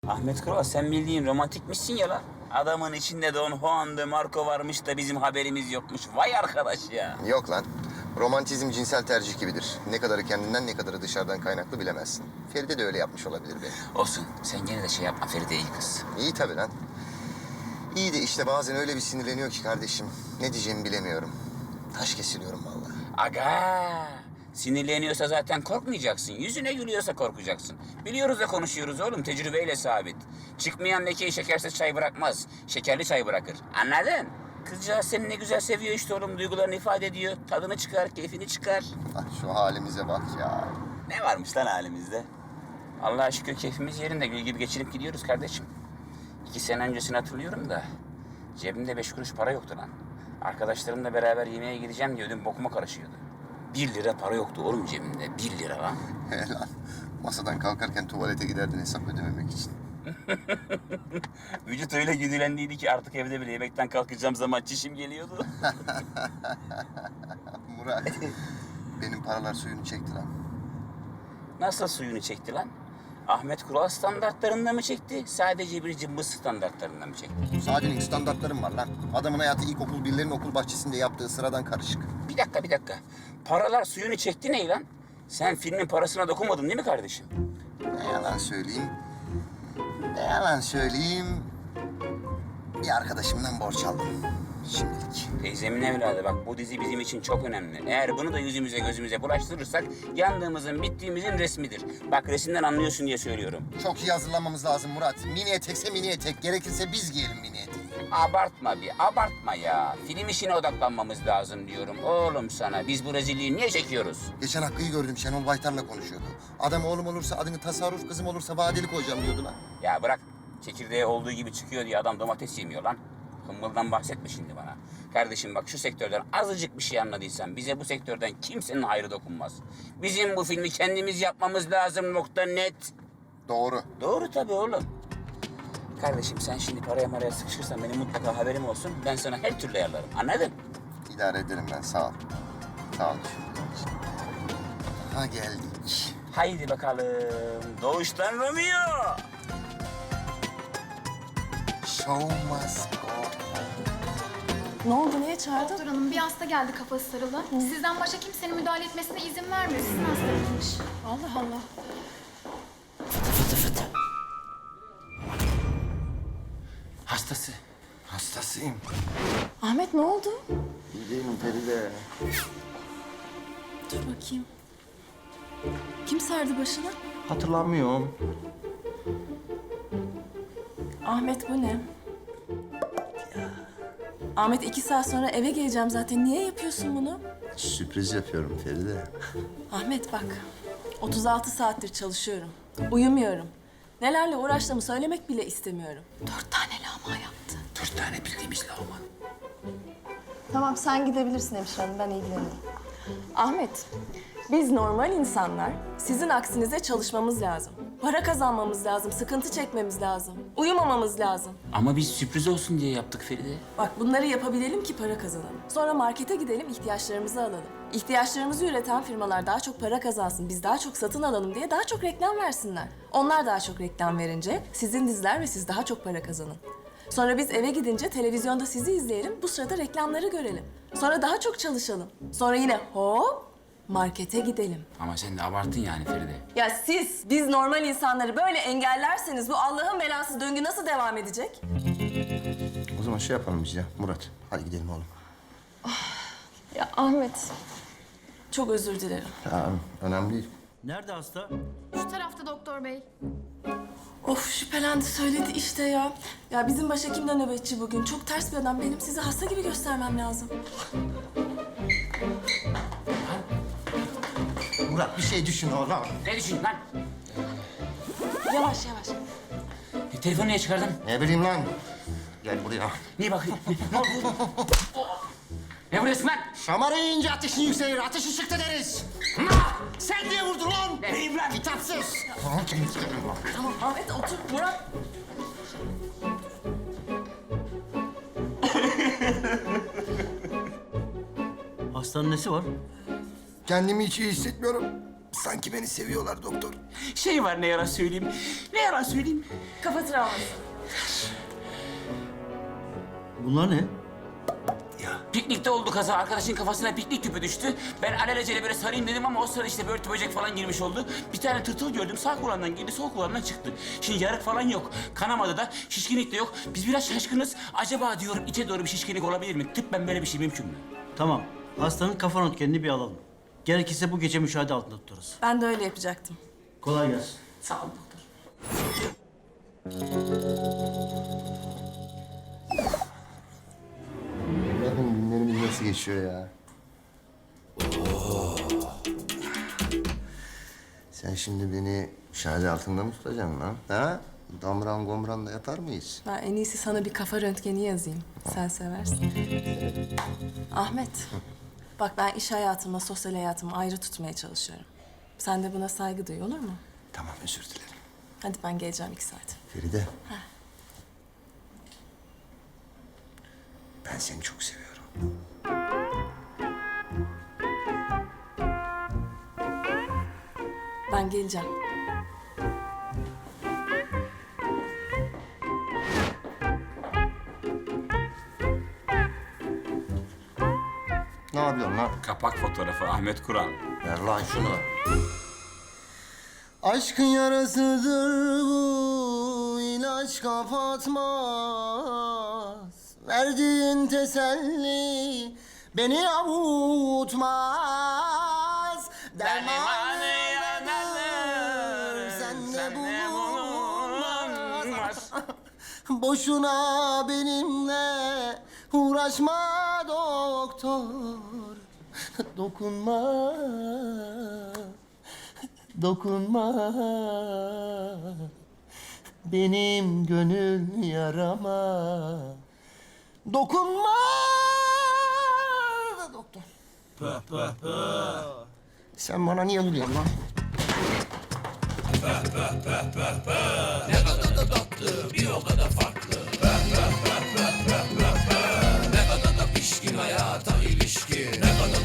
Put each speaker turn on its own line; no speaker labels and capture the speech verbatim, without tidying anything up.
Ahmet Kural, sen bildiğin romantikmişsin ya lan. Adamın içinde Don Juan de Marco varmış da bizim haberimiz yokmuş. Vay arkadaş ya.
Yok lan. Romantizm cinsel tercih gibidir. Ne kadarı kendinden ne kadarı dışarıdan kaynaklı bilemezsin. Feride de öyle yapmış olabilir belki.
Olsun, sen gene de şey yapma, Feride iyi kız.
İyi tabii lan. İyi de işte bazen öyle bir sinirleniyor ki kardeşim. Ne diyeceğimi bilemiyorum. Taş kesiliyorum vallahi.
Aga! Sinirleniyorsa zaten korkmayacaksın. Yüzüne gülüyorsa korkacaksın. Biliyoruz da konuşuyoruz oğlum, tecrübeyle sabit. Çıkmayan lekeyi şekersiz çay bırakmaz. Şekerli çay bırakır. Anladın? Kızcağız seni ne güzel seviyor işte oğlum. Duygularını ifade ediyor. Tadını çıkar, keyfini çıkar.
Ah şu halimize bak ya.
Ne varmış lan halimizde? Allah'a şükür keyfimiz yerinde. Gül gibi geçinip gidiyoruz kardeşim. İki sene öncesini hatırlıyorum da cebimde beş kuruş para yoktu lan. Arkadaşlarımla beraber yemeğe gideceğim diye ödüm bokuma karışıyordu. Bir lira para yoktu oğlum cebimde. Bir lira lan.
He lan. Masadan kalkarken tuvalete giderdin hesap ödememek için.
Vücut öyle güdülendiydi ki artık evde bile yemekten kalkacağım zaman çişim geliyordu.
Murat, benim paralar suyunu çekti lan.
Nasıl suyunu çekti lan? Ahmet Kural standartlarında mı çekti? Sadece bir cımbız standartlarında mı çekti?
Sadenin standartlarım var lan. Adamın hayatı ilkokul birlerin okul bahçesinde yaptığı sıradan karışık.
Bir dakika, bir dakika. Paralar suyunu çekti ne lan? Sen filmin parasına dokunmadın değil mi kardeşim?
Ne yalan söyleyeyim. Ne yalan söyleyeyim. Bir arkadaşımdan borç aldım. Şimdilik.
Teyzemin evladı bak, bu dizi bizim için çok önemli. Eğer bunu da yüzümüze gözümüze bulaştırırsak yandığımızın bittiğimizin resmidir. Bak resimden anlıyorsun diye söylüyorum.
Çok iyi hazırlanmamız lazım Murat. Mini etekse mini etek. Gerekirse biz giyelim mini eteği.
Abartma bir, abartma ya. Film işine odaklanmamız lazım diyorum. Oğlum sana, biz bu rezilliği niye çekiyoruz?
Geçen Hakkı'yı gördüm. Şenol Baytar'la konuşuyordu. Adam oğlum olursa adını tasarruf, kızım olursa vadeli koyacağım diyordu lan.
Ya bırak, çekirdeği olduğu gibi çıkıyor diye adam domates yemiyor lan. Hımbıldan bahsetme şimdi bana. Kardeşim bak, şu sektörden azıcık bir şey anladıysan bize bu sektörden kimsenin hayrı dokunmaz. Bizim bu filmi kendimiz yapmamız lazım, nokta net.
Doğru.
Doğru tabii oğlum. Kardeşim sen şimdi paraya maraya sıkışırsan benim mutlaka haberim olsun. Ben sana her türlü ayarlarım. Anladın?
İdare ederim ben. Sağ ol. Sağ ol düşündüğün için. Ha geldik.
Haydi bakalım. Doğuştan Romeo.
Show must go on.
Ne oldu, niye çağırdın?
Doktor hanım, bir hasta geldi kafası sarılı. Sizden başka kimsenin müdahale etmesine izin vermiyor. Sizin hastanızmış.
Allah Allah.
Hastası.
Hastasıyım.
Ahmet ne oldu?
İyi değilim Feride.
Dur bakayım. Kim sardı başını?
Hatırlamıyorum.
Ahmet bu ne? Ahmet iki saat sonra eve geleceğim zaten. Niye yapıyorsun bunu?
Sürpriz yapıyorum Feride.
Ahmet bak. otuz altı saattir çalışıyorum. Uyumuyorum. Nelerle uğraştığımı söylemek bile istemiyorum. Dört tane lağma yaptı.
Dört tane bildiğimiz lağma.
Tamam sen gidebilirsin hemşire hanım, ben ilgilenirim.
Ahmet, biz normal insanlar sizin aksinize çalışmamız lazım. Para kazanmamız lazım, sıkıntı çekmemiz lazım. Uyumamamız lazım.
Ama biz sürpriz olsun diye yaptık Feride.
Bak bunları yapabilelim ki para kazanalım. Sonra markete gidelim, ihtiyaçlarımızı alalım. İhtiyaçlarımızı üreten firmalar daha çok para kazansın, biz daha çok satın alalım diye daha çok reklam versinler. Onlar daha çok reklam verince sizin diziler ve siz daha çok para kazanın. Sonra biz eve gidince televizyonda sizi izleyelim, bu sırada reklamları görelim. Sonra daha çok çalışalım. Sonra yine hop markete gidelim.
Ama sen de abarttın yani Feride.
Ya siz, biz normal insanları böyle engellerseniz bu Allah'ın belası döngü nasıl devam edecek?
O zaman şey yapalım biz ya Murat. Hadi gidelim oğlum.
Ya Ahmet,
Çok özür dilerim.
Ya, önemli değil.
Nerede hasta?
Şu tarafta doktor bey.
Of şüphelendi söyledi işte ya. Ya bizim başhekim de nöbetçi bugün. Çok ters bir adam. Benim sizi hasta gibi göstermem lazım.
Murat bir şey düşün oğlum.
Ne düşündün lan?
Yavaş yavaş.
E, telefonu niye çıkardın?
Ne bileyim lan. Gel buraya.
Niye bakayım? Ne oldu? Ne vuruyorsun lan?
Şamarı yiyince ateşin yükselir. Ateşi çıktı deriz. Sen niye vurdun lan?
Neyim lan?
Kitapsız.
Tamam Ahmet otur. Murat.
Hastanın nesi var?
Kendimi hiç iyi hissetmiyorum. Sanki beni seviyorlar doktor.
Şey var, ne yalan söyleyeyim. Ne yalan söyleyeyim.
Kafa travması.
Bunlar ne?
Piknikte oldu kaza. Arkadaşın kafasına piknik küpü düştü. Ben alelacele böyle sarayım dedim ama o sırada işte börtü böcek falan girmiş oldu. Bir tane tırtıl gördüm. Sağ kulağından girdi, sol kulağından çıktı. Şimdi yarık falan yok. Kanamadı da, şişkinlik de yok. Biz biraz şaşkınız. Acaba diyorum içe doğru bir şişkinlik olabilir mi? Tıbben böyle bir şey mümkün mü?
Tamam. Hastanın kafa röntgenini bir alalım. Gerekirse bu gece müşahede altında tutarız.
Ben de öyle yapacaktım.
Kolay gelsin.
Sağ ol doktor.
Bakın günlerimiz nasıl geçiyor ya. Sen şimdi beni şahane altında mı tutacaksın lan? Ha? Damran gomran da yapar mıyız?
Ben en iyisi sana bir kafa röntgeni yazayım. Sen seversin. Ahmet, bak ben iş hayatımla sosyal hayatımı ayrı tutmaya çalışıyorum. Sen de buna saygı duy, olur mu?
Tamam, özür dilerim.
Hadi ben geleceğim iki saat.
Feride. Ben seni çok seviyorum.
Ben geleceğim.
Ne yapıyorsun lan?
Kapak fotoğrafı Ahmet Kural.
Ver lan şunu. Aşkın yarasıdır bu, ilaç kapatmaz. Verdiğin teselli beni avutmaz. Dermanı yaradır, sende bulunmaz. Boşuna benimle uğraşma doktor. Dokunma, dokunma. Benim gönül yarama. Dokunma doktor. Sen bana niye gülüyorsun lan?
Ne kadar da tatlı, bir o kadar farklı.